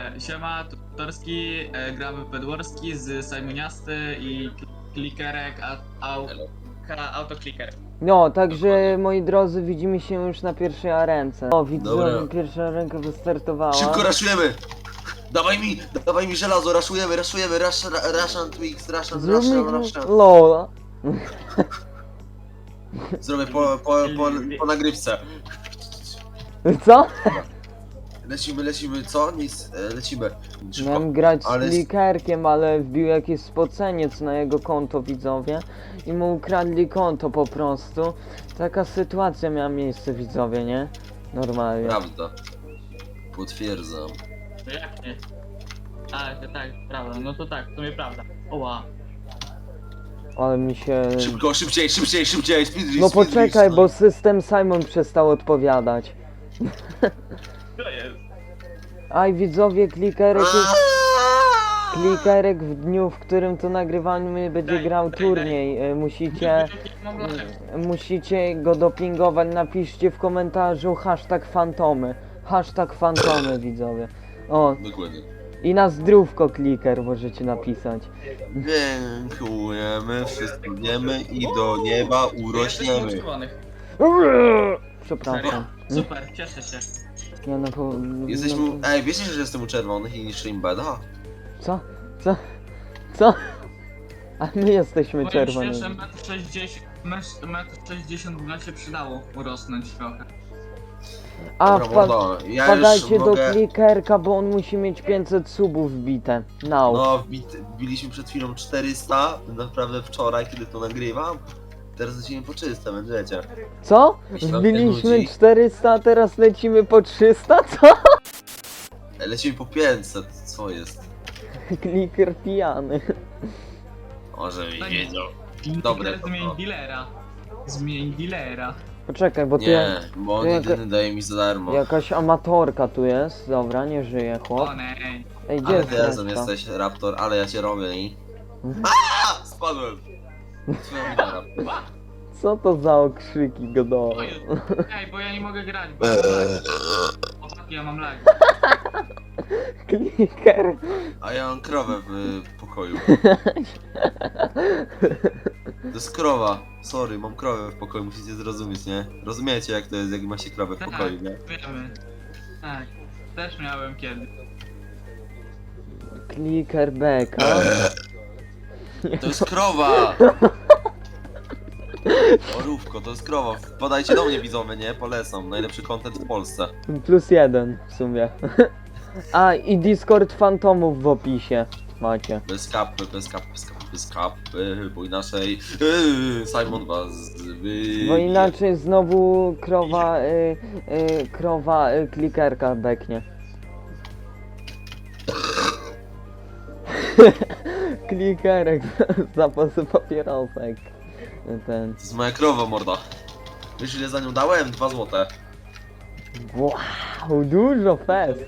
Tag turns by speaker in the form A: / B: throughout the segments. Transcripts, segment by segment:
A: Siema, Tutorski, gramy w Bedwarski z Simoniasty i Klikerek, Autokliker.
B: No, także moi drodzy, widzimy się już na pierwszej arence. O, widzę,
C: Dobra.
B: pierwsza arenka wystartowała.
C: Szybko raszujemy! Dawaj mi żelazo, raszujemy, Russian Twix,
B: Zróbmy
C: Russian.
B: LOL.
C: Zrobię po nagrywce.
B: Co?
C: Lecimy, co? Nic, lecimy. Szybko.
B: Miałem grać
C: Ale
B: z Klikerkiem, ale wbił jakiś spoceniec na jego konto, widzowie. I mu ukradli konto po prostu. Taka sytuacja miała miejsce, widzowie, nie? Normalnie.
C: Prawda. Potwierdzam.
A: To jak nie? Tak, prawda, no to tak, to mnie prawda. Oła.
B: Ale mi się...
C: Szybko, szybciej, speedrun,
B: No poczekaj, bo system Simon przestał odpowiadać.
A: To jest.
B: Aj, widzowie, Klikerek w dniu, w którym to nagrywamy, będzie grał turniej. Musicie go dopingować. Napiszcie w komentarzu #fantomy. #fantomy, widzowie. O,
C: Dokładnie.
B: i na zdrówko Kliker możecie napisać.
C: Dziękujemy, wszystko wiemy i do nieba
A: Jesteśmy
C: urośniemy.
A: czerwonych.
B: Przepraszam.
A: Super, cieszę się.
B: Ja na po...
C: Jesteśmy...
B: no-
C: Ej, wiecie, że jestem u czerwonych i niszczę im beda?
B: Co? A my jesteśmy
A: Powiem się,
B: czerwoni.
A: że 1,60 m by się przydało urosnąć trochę.
B: A,
C: Dobra, mordo, ja już
B: wpadajcie do
C: mogę...
B: Klikerka, bo on musi mieć 500 subów wbite. Now.
C: No, wbiliśmy przed chwilą 400, naprawdę wczoraj, kiedy to nagrywam. Teraz lecimy po 300, będziecie.
B: Co?
C: Jeśli wam
B: Wbiliśmy
C: nudzi.
B: 400, a teraz lecimy po 300? Co?
C: Lecimy po 500, co jest?
B: Kliker pijany.
C: Może mi
A: No nie.
C: wiedzą. Dobre to
A: Zmień
C: było.
A: dealera. Zmień dealera.
B: Poczekaj, bo tu
C: Nie, bo on
B: to
C: jedyny daje mi za darmo.
B: jakaś amatorka tu jest. Dobra, nie żyje chłop.
A: O nej.
B: Ej, gdzie
C: Ale
B: jest
C: ty razem
B: reszta?
C: jesteś, Raptor, ale ja cię robię i...
B: Mhm.
C: Aaa! Spadłem! Twoja wina, Raptor.
B: Co to za okrzyki godowe?
A: Oj, ej, bo ja nie mogę grać, bo chłopaki, ja mam lag.
B: Kliker.
C: A ja mam krowę w pokoju. To jest krowa. Sorry, mam krowę w pokoju, musicie zrozumieć, nie? Rozumiecie jak to jest, jak ma się krowę w pokoju, nie?
A: Wiemy. Tak, też miałem kiedy.
B: Kliker beka.
C: To jest krowa! Orówko, to jest krowa. Podajcie do mnie widzowie, nie? Polecam. Najlepszy content w Polsce.
B: +1 w sumie. A, i Discord fantomów w opisie macie.
C: Bez kapy, bo inaczej Simon was
B: Bo inaczej znowu krowa klikerka beknie. Klikerek, zapasy papierosek. Ten.
C: To jest moja krowa, morda. Wiesz ile za nią dałem? 2 złote.
B: Wow, dużo fest.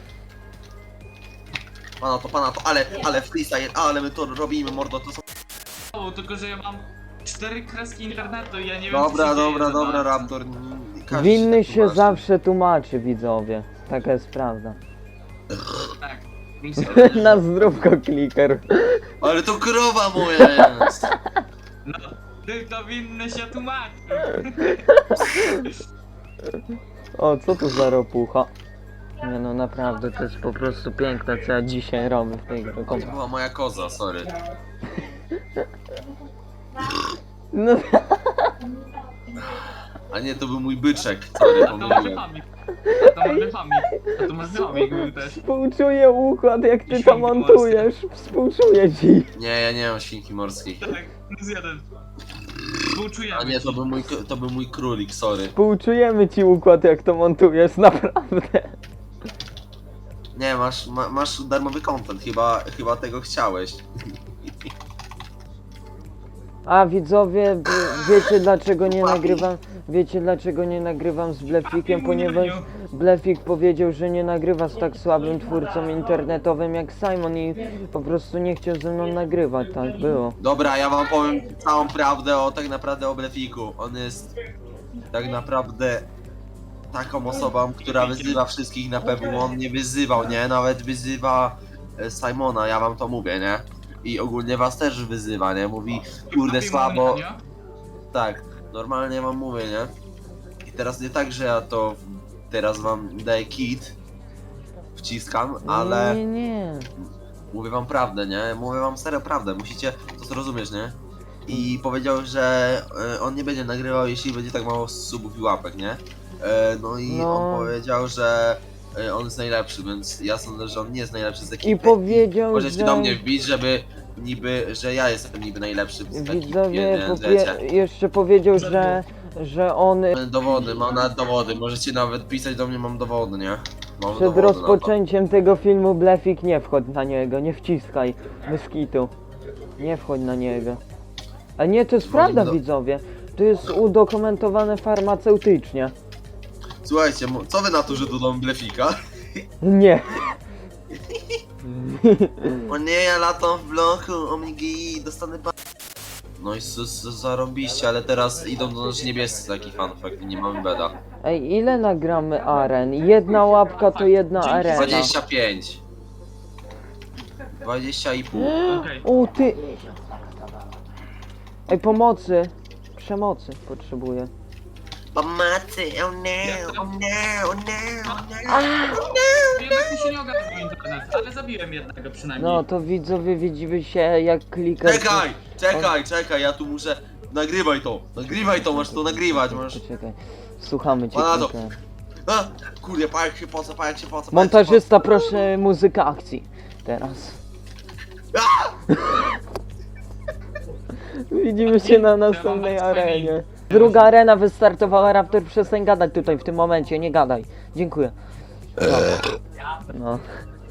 C: Pana to, ale freestyle, ale my to robimy, mordo, to są...
A: O, tylko że ja mam 4 kreski internetu i ja nie wiem co
C: Dobra,
A: się dzieje za
C: dobra,
A: bardzo.
C: Raptor. Każdy
B: Winny
C: tak
B: się
C: tłumaczy.
B: zawsze tłumaczy, widzowie. Taka jest prawda.
A: Tak.
B: Na zdrówko kliker.
C: Ale to krowa moja jest!
A: No, tylko winny się tłumaczy.
B: O, co to za ropucha? Nie no, naprawdę, to jest po prostu piękne, co ja dzisiaj robię w tej grze.
C: To była moja koza, sorry.
B: No,
C: A nie, to był mój byczek, sorry,
A: A to może
C: pomyliłem.
A: chomik. A to może chomik był też.
B: współczuję układ, jak ty to
A: Świnki
B: montujesz. Współczuję ci.
C: Nie, ja nie mam świnki morskiej.
A: Tak, plus jeden. Współczujemy
C: A nie,
A: ci.
C: to był mój królik, sorry.
B: Współczujemy ci układ, jak to montujesz, naprawdę.
C: Nie, masz darmowy content, chyba tego chciałeś.
B: A widzowie, wiecie dlaczego nie nagrywam? Wiecie dlaczego nie nagrywam z Blefikiem? Ponieważ Blefik powiedział, że nie nagrywa z tak słabym twórcą internetowym jak Simon i po prostu nie chciał ze mną nagrywać, tak było.
C: Dobra, ja wam powiem całą prawdę tak naprawdę o Blefiku. On jest tak naprawdę taką osobą, która wyzywa wszystkich na PW, on nie wyzywał, nie? Nawet wyzywa Simona, ja wam to mówię, nie? I ogólnie was też wyzywa, nie? Mówi, kurde, słabo. Tak, normalnie wam mówię, nie? I teraz nie tak, że ja to teraz wam daję kit, wciskam, ale
B: Nie.
C: mówię wam prawdę, nie? Mówię wam serio prawdę, musicie to zrozumieć, nie? I powiedział, że on nie będzie nagrywał, jeśli będzie tak mało subów i łapek, nie? No i
B: No.
C: on powiedział, że on jest najlepszy, więc ja sądzę, że on nie jest najlepszy z ekipy.
B: I powiedział,
C: Możecie
B: że...
C: do mnie wbić, żeby niby, że ja jestem niby najlepszy z ekipy,
B: Widzowie,
C: więc wiecie.
B: jeszcze powiedział, że on
C: Dowody, mam nawet dowody, możecie nawet pisać do mnie, mam dowody, nie? Mam
B: przed
C: dowody na to.
B: rozpoczęciem tego filmu Blefik nie wchodź na niego, nie wciskaj, bez kitu. Nie wchodź na niego. A nie, to jest prawda, widzowie. To jest udokumentowane farmaceutycznie.
C: Słuchajcie, co wy na to, że dodam blefika?
B: Nie.
C: O nie, ja latam w bloku, omigi, dostanę No i zarobiście, ale teraz idą do nas niebiescy, taki fun fact, i nie mamy beda.
B: Ej, ile nagramy aren? Jedna łapka to jedna
A: Dzięki
B: arena.
C: 25. 20,5.
A: Okej.
B: O ty... Ej, pomocy. Przemocy potrzebuję.
C: Pomocy, oh no, oh no, oh no, oh
A: Jednak mi się nie ogarnął internet, ale zabiłem jednego przynajmniej.
B: No to widzowie, widzimy się jak klikasz...
C: Czekaj, ja tu muszę... Nagrywaj to, masz to nagrywać, masz...
B: Czekaj, słuchamy cię.
C: Pana to.
B: Klika.
C: A, kurde, pajek się poca.
B: Montażysta, proszę muzykę akcji. Teraz. Widzimy się na następnej arenie. Druga arena wystartowała, Raptor, przestań gadać tutaj w tym momencie, nie gadaj. Dziękuję. No.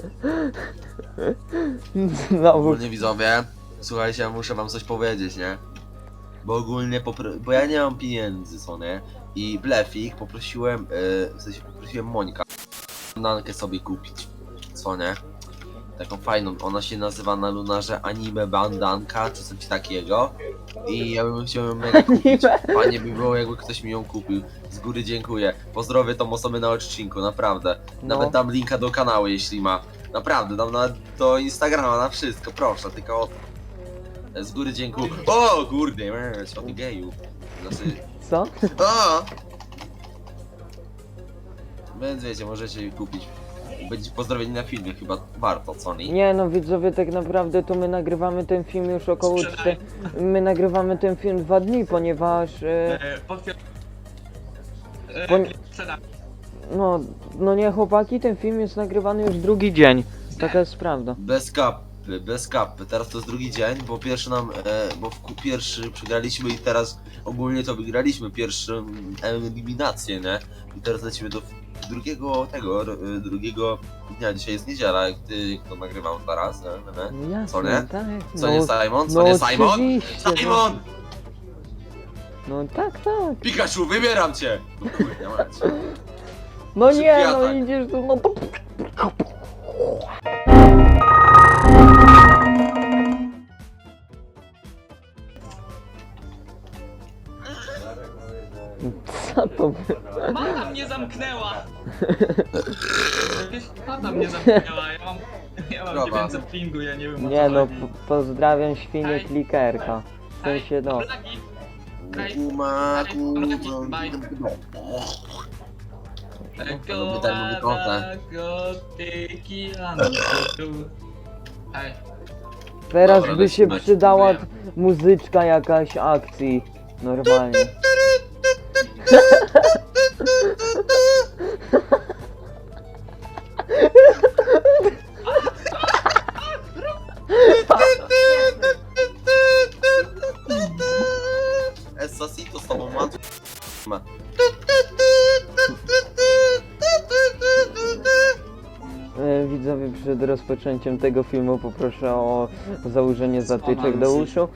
B: Znowu.
C: Ogólnie widzowie, słuchajcie, ja muszę wam coś powiedzieć, nie? Bo ogólnie, bo ja nie mam pieniędzy, co nie? I Blefik poprosiłem, w sensie poprosiłem Mońka nankę sobie kupić, co nie? Taką fajną, ona się nazywa na Lunarze Anime Bandanka, czy coś takiego. I ja bym chciał ją mega kupić. Fajnie by było, jakby ktoś mi ją kupił. Z góry dziękuję. Pozdrowię tą osobę na odcinku, naprawdę.
B: No.
C: Nawet dam linka do kanału, jeśli ma. Naprawdę, dam nawet do Instagrama, na wszystko, proszę, tylko... Z góry dziękuję. O, kurde, co ty geju. Znaczy...
B: Co?
C: O! Więc wiecie, możecie jej kupić. Będzie pozdrowieni na filmie, chyba warto, co nie?
B: Nie no widzowie, tak naprawdę to my nagrywamy ten film już około
A: Sprzedaj.
B: My nagrywamy ten film 2 dni, ponieważ
A: Sprzedam.
B: no nie chłopaki, ten film jest nagrywany już drugi dzień. Taka jest prawda.
C: Bez kapy. Teraz to jest drugi dzień, bo pierwszy nam, pierwszy przegraliśmy i teraz ogólnie to wygraliśmy pierwszą eliminację, nie? I teraz lecimy do drugiego dnia. Dzisiaj jest niedziela, jak to nagrywam teraz, nie?
B: No jasne,
C: Co nie?
B: tak.
C: Co nie Simon? Co
B: no
C: nie Simon?
B: oczywiście,
C: Simon!
B: No tak.
C: Pikachu, wybieram cię! No kurde, mać.
B: No
C: Szybki
B: nie, no
C: atak.
B: idziesz tu, no to... Co to było?
A: Mata mnie zamknęła! Jakieś mata mnie zamknęła, ja mam
C: Dobra.
A: 900 pingu, ja nie wiem o
B: Nie
A: co
B: no,
A: chodzi.
B: pozdrawiam świnie
A: Hej.
B: klikerka. W
A: Hej,
B: sensie no.
A: Blaki. Hej.
C: Kuma,
A: Go,
C: Daj mu konta.
A: Hej.
B: Teraz
C: Dobra,
B: by się
C: lecimy.
B: przydała
A: Dziękuję.
B: muzyczka jakaś akcji. Normalnie.
C: Esasito z tobą łatwo.
B: Widzowie, przed rozpoczęciem tego filmu poproszę o założenie zatyczek do uszu.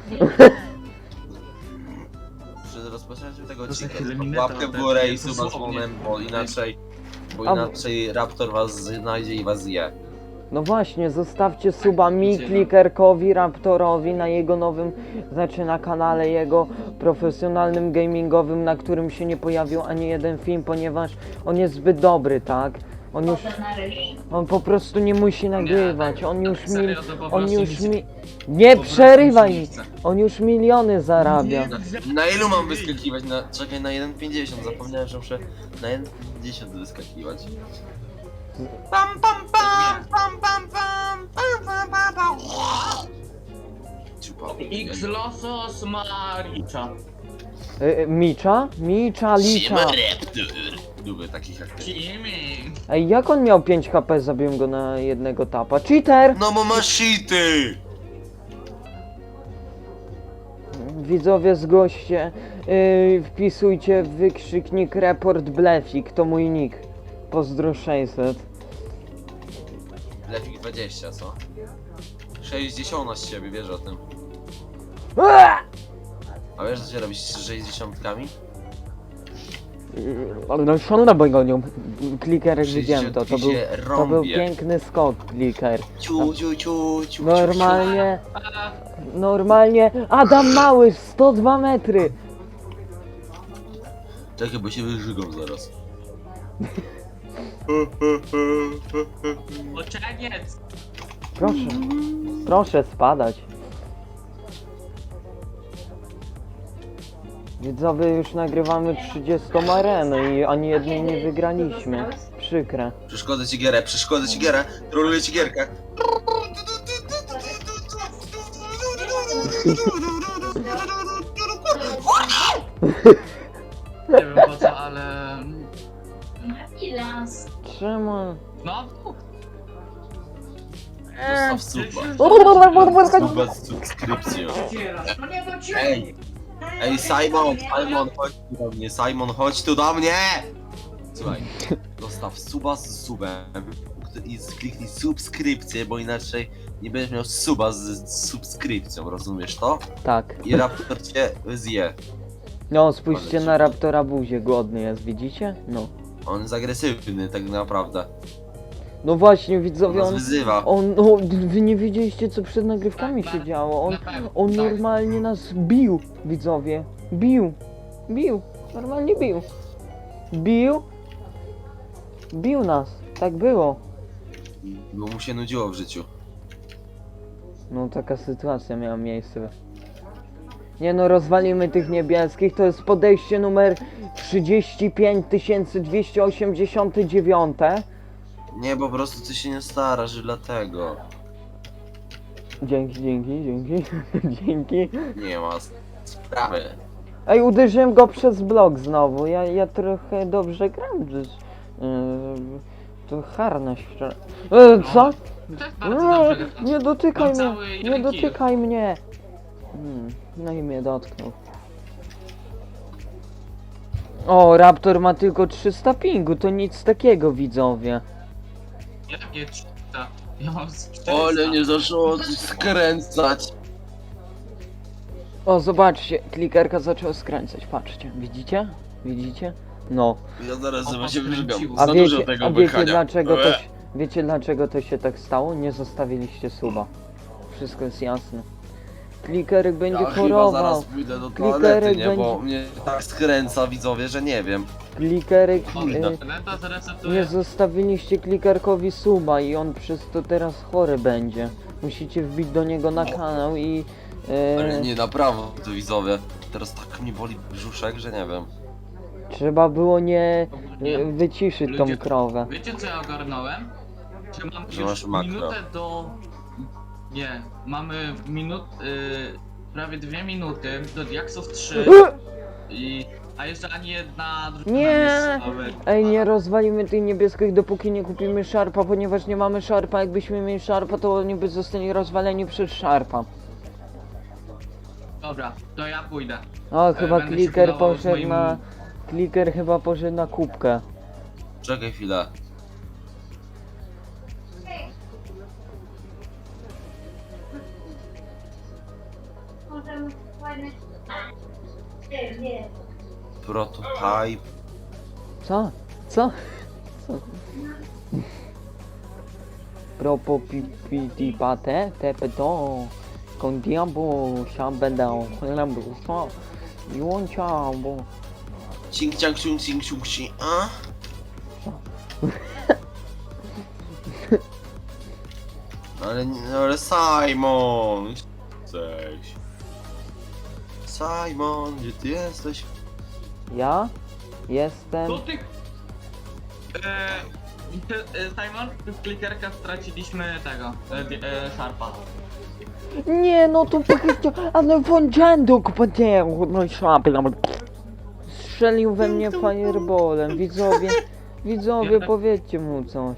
C: Przed rozpoczęciem tego
A: To za
C: odcinka
A: chwilę
C: tylko
A: mineta
C: łapkę w
A: odetnie,
C: górę i suba z
A: dosłownie.
C: dzwonem, bo
B: A-
C: inaczej Raptor was znajdzie i was zje.
B: No właśnie, zostawcie suba mi, Klikerkowi, Raptorowi na jego nowym, znaczy na kanale jego profesjonalnym gamingowym, na którym się nie pojawił ani jeden film, ponieważ on jest zbyt dobry, tak? On po prostu nie musi nagrywać, on już
A: serio, to po
B: on
A: prostu
B: już
A: nic-
B: mi... Nie
A: po prostu
B: przerywaj
A: nic
B: mi!
A: nie chcę.
B: On już miliony zarabia.
C: Na ilu mam wyskakiwać? Czekaj, na 1,50. Zapomniałem, że muszę na 1,50 wyskakiwać. Pam pam pam pam pam pam pam pam pam pam. Ciupa.
A: X losos Maricza.
B: Micza? Micza, Licza.
C: Lubię takich jak ty.
A: Kimi.
B: Ej, jak on miał 5 HP, zabiłem go na jednego tapa. Cheater!
C: No bo masz shity!
B: Widzowie, zgłoście, wpisujcie wykrzyknik report blefik, to mój nick. Pozdro 600.
C: Lefik 20, co? 60 z ciebie, wiesz o tym. A wiesz, co się robić z 60-kami?
B: No szanowna bojgonią, kliker widziałem to, to
C: 60
B: był,
C: się
B: to był
C: rąbie.
B: piękny skok, kliker.
C: Ciu, ciu, ciu, ciu,
B: Normalnie, normalnie, Adam Mały, 102 metry.
C: Czekaj, bo się wyżygą zaraz.
A: Oczeniec.
B: Proszę, proszę spadać. Widzowie, już nagrywamy 30 arenę i ani jednej nie wygraliśmy. Przykre.
C: Przeszkodzę ci gierę, troluję ci gierkę.
A: Nie wiem po co, ale...
B: Czemu?
A: No,
C: Zostaw suba z subskrypcją. Ej, ej Simon, chodź tu do mnie, chodź tu do mnie! Słuchaj, zostaw suba z subem i kliknij subskrypcję, bo inaczej nie będziesz miał suba z subskrypcją, rozumiesz to?
B: Tak.
C: I raptor cię zje.
B: No, spójrzcie na Raptora buzię, głodny jest, widzicie? No.
C: On jest agresywny tak naprawdę.
B: No właśnie,
C: On
B: widzowie,
C: nas
B: on...
C: wyzywa.
B: No, wy nie wiedzieliście, co przed nagrywkami się działo. On normalnie nas bił, widzowie. Bił. Normalnie bił. Bił nas. Tak było.
C: Bo mu się nudziło w życiu.
B: No, taka sytuacja miała miejsce. Nie no, rozwalimy tych niebieskich. To jest podejście numer 35289.
C: Nie, po prostu ty się nie starasz, że dlatego.
B: Dzięki. Dzięki.
C: Nie ma sprawy.
B: Ej, uderzyłem go przez blok znowu. Ja trochę dobrze gram. To harnaś wczoraj. Co?
A: tak bardzo dobrze.
B: Nie dotykaj
A: Mam
B: mnie!
A: cały
B: Nie
A: jeden
B: dotykaj mnie! No i mnie dotknął. O, Raptor ma tylko 300 pingu, to nic takiego, widzowie.
A: Jakie 300? Ja mam z 400.
C: Ale nie zaczęło skręcać.
B: O, zobaczcie, klikerka zaczęła skręcać, patrzcie, widzicie? Widzicie? No.
C: Ja zaraz
A: O,
C: sobie się wyżygam.
A: poskręciło.
B: A
C: Za
B: wiecie,
C: dużo tego
B: a wiecie
C: pykania.
B: dlaczego to się, wiecie dlaczego to się tak stało? Nie zostawiliście suba. Wszystko jest jasne. Klikerek będzie
C: Ja chyba
B: chorował.
C: zaraz pójdę do
B: Klikerek
C: toalety, nie? Bo
B: będzie-
C: mnie tak skręca widzowie, że nie wiem.
B: Klikerek...
A: Lenta zresetuje.
B: Nie zostawiliście klikerkowi suba i on przez to teraz chory będzie. Musicie wbić do niego na kanał i...
C: Ale nie, naprawdę to widzowie. Teraz tak mnie boli brzuszek, że nie wiem.
B: Trzeba było nie
A: Nie.
B: wyciszyć tą
A: Ludzie-
B: krowę.
A: Wiecie co ja ogarnąłem? Że mamy
C: Że
A: już
C: masz makro.
A: minutę do... Nie, mamy prawie 2 minuty do Diaksów 3 a jeszcze ani jedna drużyna
B: Nie!
A: strzała.
B: Ej, nie rozwalimy tych niebieskich, dopóki nie kupimy szarpa, ponieważ nie mamy szarpa. Jakbyśmy mieli szarpa, to oni by zostali rozwaleni przez szarpa.
A: Dobra, to ja pójdę.
B: O, chyba
A: będę się
B: kliker
A: budował z
B: poszedł
A: moim-
B: na... Kliker chyba poszedł na kubkę.
C: Czekaj chwilę. Prototype.
B: Co? Co? Propo pipiti pate, tepe to. Con diabo, siambedał, lembu, co? Juncia, bo...
C: Cing ciang ciung cing ciung cing, a? Ale Simon! Cześć. Simon, gdzie ty jesteś?
B: Ja? Jestem...
A: To ty... Simon, w klikerkach straciliśmy tego, Sharpa.
B: Nie, no to powiedział, ale wądziando kupateru, no i szapla. Strzelił we mnie fireballem, widzowie, powiedzcie mu coś.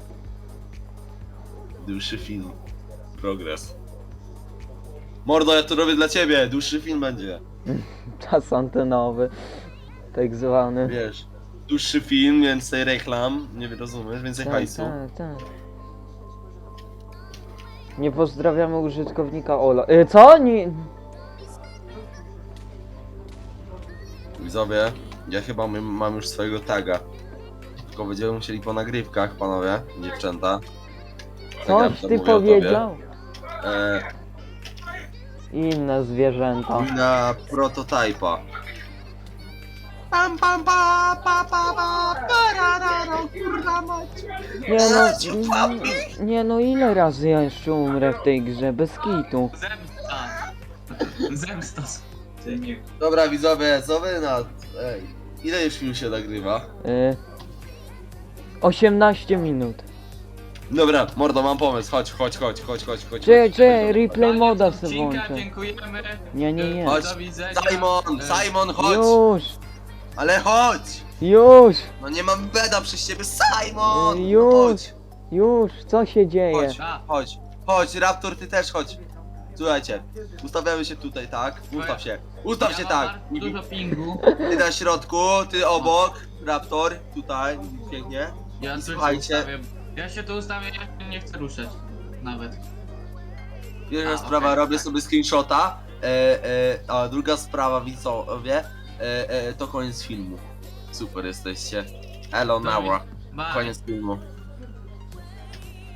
C: Dłuższy film. Progres. Mordo, ja to robię dla ciebie, dłuższy film będzie.
B: Czas antenowy, tak zwany.
C: Wiesz, dłuższy film, więcej reklam, nie rozumiesz, więcej hajsu.
B: Tak. Nie pozdrawiamy użytkownika Ola. Co? Nie...
C: Widzowie, ja chyba mam już swojego taga. Tylko będziemy musieli po nagrywkach, panowie, dziewczęta. Zagram
B: Coś
C: to,
B: ty
C: mówię o tobie.
B: powiedział? Inne zwierzęta.
C: Na prototypa. Pam pam pa pa pa pa parararo, kurwa mać.
B: Nie no, ile razy ja jeszcze umrę w tej grze, bez kitu.
A: Zemsta.
C: Dobra widzowie, co wy na... Ej, ile już film się nagrywa?
B: 18 minut.
C: Dobra, mordo, mam pomysł, chodź.
B: Czekaj, replay moda sobie
A: Odcinka,
B: włączę.
A: dziękujemy.
B: Nie.
C: Chodź,
A: Do widzenia.
C: Simon, chodź!
B: Już,
C: Ale chodź!
B: już,
C: No nie mam beda przez ciebie, Simon!
B: Już.
C: Chodź,
B: już, co się dzieje?
C: chodź,
A: A.
C: chodź, Raptor, ty też chodź. Słuchajcie, ustawiamy się tutaj, tak? Ustaw się tak!
A: Mam dużo pingu.
C: Ty na środku, ty obok, Raptor, tutaj, pięknie.
A: Ja tu się
C: Słuchajcie.
A: ustawię. Ja się tu ustawię, ja nie chcę ruszać. Nawet.
C: Pierwsza
A: A,
C: sprawa,
A: okej,
C: robię
A: tak.
C: sobie screenshota, a druga sprawa, widzowie, to koniec filmu. Super jesteście. Elo, Naura.
A: Bye.
C: Koniec filmu.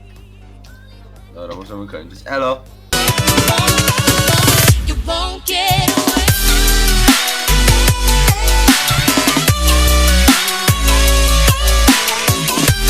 C: Dobra, możemy kończyć. Elo!
D: You won't get